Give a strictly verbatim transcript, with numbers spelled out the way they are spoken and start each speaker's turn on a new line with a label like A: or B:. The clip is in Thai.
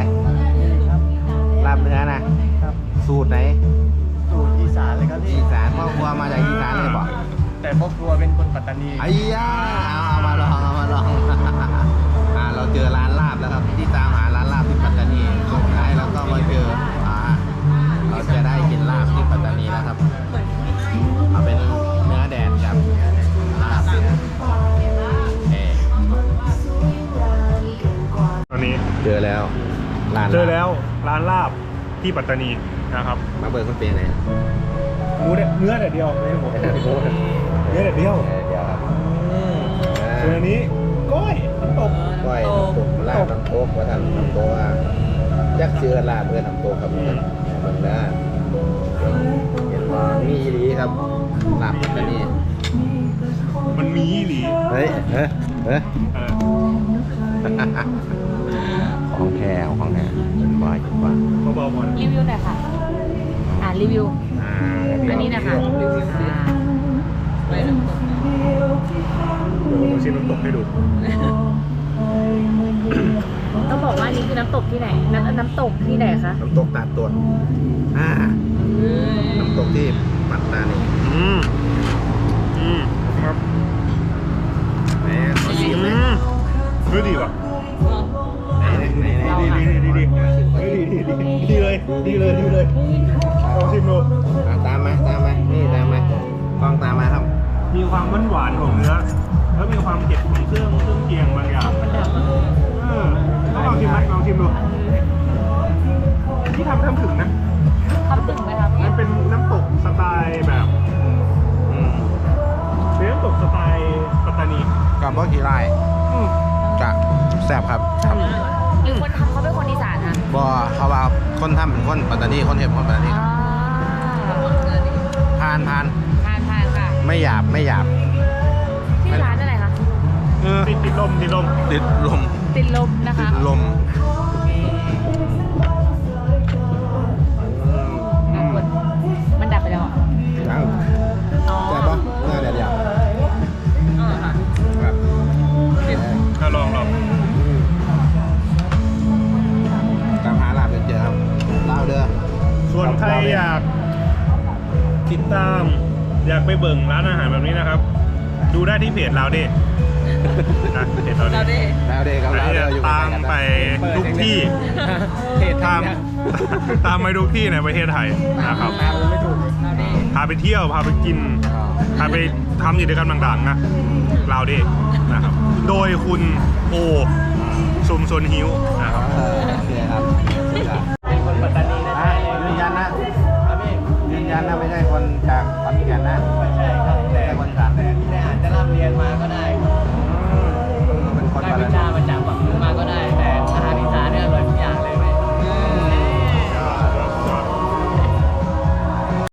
A: ลาบเนื้อนะครับสูตรไหน
B: สูตรอีสานเลยครับพี่
A: อีสานพ่อครัวมาจากอีสานเลยบอก
B: แต่พ่อครัวเป็นคนปัตตานี
A: ไอ้ยาเอาเอามาลองเอามาลองอ่าเราเจอร้านลาบแล้วครับที่ตามหาร้านลาบที่ปัตตานีสุดท้ายเราก็มาเจออ่าเราจะได้กินลาบที่ปัตตานีแล้วครับเอาเป็นเนื้อแดดกับลาบเอ
C: ตอนนี้
A: เจอแล้วร้าน
C: เจอแล้วร้านลาบที่ปัตตานีนะครับ
A: มาเบิร์คนเป็นไง
C: หมูเนี่ยเนื้อแต่เดียวไม่ใช่หมูเนื้อแต่เดียว
A: เดี๋ยวครับ
C: ส่วนอันนี้ก้อยน้ำตก
A: ก้อยน้ำตกลาบน้ำตกว่าท่านน้ำตกว่ายักษ์เชือลาบเพื่อนน้ำตกครับเมืองน่าเห็นว่ามีอีหลีครับลาบปัตตานี
C: มันมีอีหลี
A: เฮ้ยเฮ้ยเฮ้ย
C: เออ
A: ของแท้ของแท้เป็นบ่อยเป็นบ่อย
C: เบาๆหมด
D: รีวิวหน่อยค่ะ อ่ารีวิว
A: อ่า
D: อันนี้นะคะรีวิวอ่าไปน้ำตก
C: เดี๋ยวผมชิมน้ำตกให้ดู
D: ต้องบอกว่านี่คือน้ำตกที่ไหน น้ำน้ำตกที่ไหนคะ
A: น้ำตกตาดตัวอ่าน้ำตกที่ปัตตานี
C: อืมอืมครับ
A: แหมขอชิมเลย
C: เฮ้ยดีว่ะ
A: ไหนไหนไหน
C: ดีดีดีดีดีเฮ้ยดีดีดีดีเลยดีเลยดีเลยลองชิมดู
A: อ่ะตามมาตามมานี่ตามมากล้องตามมาครับ
C: มีความหวานหวานของเนื้อแล้วมีความเผ็ดของเครื่องเครื่องเคียงบางอย่างเออต้องลองชิมไหมลองชิมดูที่ทำทำถึงนะ
D: ทำถึงไหมคะพี่
C: มันเป็นน้ำตกสไตล์แบบอืมเป็นน้ำตกสไตล์ปัตตานี
A: กับบ่กี่ไร่
C: อืม
A: กะแซ่บครับครับ
D: หรือคนทำเขาเป็นคนอีสานคะ
A: บ่เขาว่าคนทำเป็นคนปัตตานีคนเห็ดคนปัตตานี
D: อ่า
A: ทานทาน
D: ทานทานค่ะ
A: ไม่หยาบไม่หยาบ
D: ที่ร้านอะไรคะ
A: เออ
C: ติดติดลมติดลม
A: ติดลม
D: ติดลมนะ
A: ติ
D: คะ
A: ดลม
D: อ่ะคุณมันดับไปแล้วอ่ะ
A: ยัง
D: อ๋อ
A: แซ่บปะหน้าแดดเดียว
D: อ่าค่ะ
A: ครับ
C: ก็ลองลอง
A: ตามหาลาบจนเจอครับลาวเด้อ
C: ส่วนใครอยากติดตาม อยากไปเบิ่งร้านอาหารแบบนี้นะครับ ดูได้ที่เพจเราเด้นะเพจเราเด้
A: ลาวเด้อครับ
C: อัน
A: ลาว
C: นี้
A: เด้อ
C: จะ
A: อยู่
C: ตามไปทุกที่ตามตามไปทุกที่ในประเทศไทยนะครับ
B: ไม่ถูก
C: พาไปเที่ยวพาไปกิน พาไปทำกิจกรรมต่างๆนะเราเด้นะครับ โดยคุณโอชุมชนฮิวนะครับ
A: เออโอเคครับเป็นคนปัตตานีนะยืนยันนะยืนยันนะไม่ใช่คนจากขอนแก่นนะ